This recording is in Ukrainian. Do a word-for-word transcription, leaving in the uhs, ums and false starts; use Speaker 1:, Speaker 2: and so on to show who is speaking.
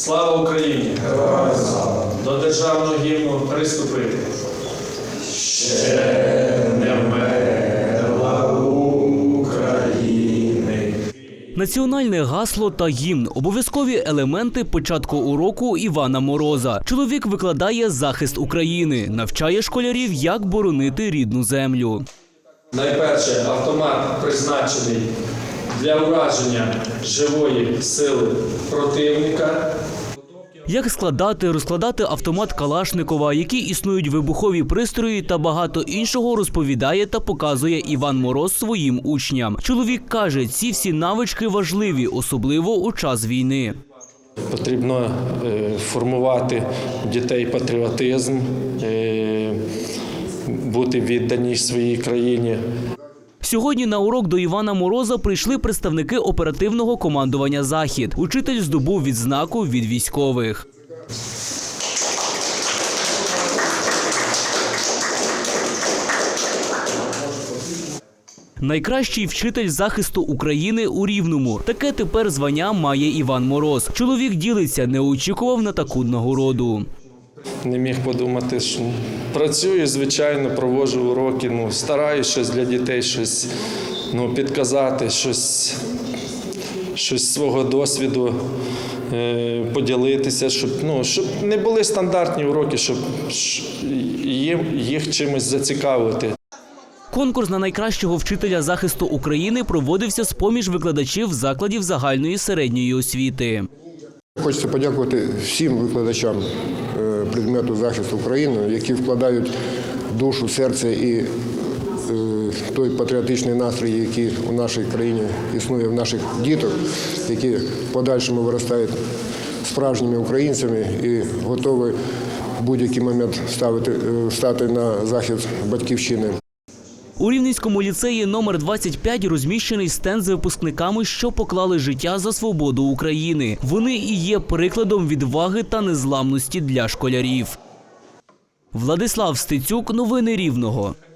Speaker 1: Слава Україні!
Speaker 2: Героям слава!
Speaker 1: До державного гімну приступити.
Speaker 2: Ще не вмерла України.
Speaker 3: Національне гасло та гімн – обов'язкові елементи початку уроку Івана Мороза. Чоловік викладає захист України, навчає школярів, як боронити рідну землю.
Speaker 1: Найперше, автомат призначений для ураження живої сили противника.
Speaker 3: Як складати, розкладати автомат Калашникова, які існують вибухові пристрої та багато іншого розповідає та показує Іван Мороз своїм учням. Чоловік каже, ці всі навички важливі, особливо у час війни.
Speaker 4: Потрібно формувати в дітей патріотизм, бути віддані своїй країні.
Speaker 3: Сьогодні на урок до Івана Мороза прийшли представники оперативного командування «Захід». Учитель здобув відзнаку від військових. Найкращий вчитель захисту України у Рівному. Таке тепер звання має Іван Мороз. Чоловік ділиться, не очікував на таку нагороду.
Speaker 4: Не міг подумати, що працюю, звичайно, проводжу уроки, ну, стараюсь щось для дітей, щось ну, підказати, щось, щось свого досвіду е, поділитися, щоб, ну, щоб не були стандартні уроки, щоб їм, їх чимось зацікавити.
Speaker 3: Конкурс на найкращого вчителя захисту України проводився з-поміж викладачів закладів загальної середньої освіти.
Speaker 5: Хочеться подякувати всім викладачам предмету захисту України, які вкладають душу, серце і той патріотичний настрій, який у нашій країні існує в наших діток, які в подальшому виростають справжніми українцями і готові в будь-який момент ставити, стати на захист батьківщини.
Speaker 3: У Рівненському ліцеї номер двадцять п'ять розміщений стенд з випускниками, що поклали життя за свободу України. Вони і є прикладом відваги та незламності для школярів. Владислав Стецюк, новини Рівного.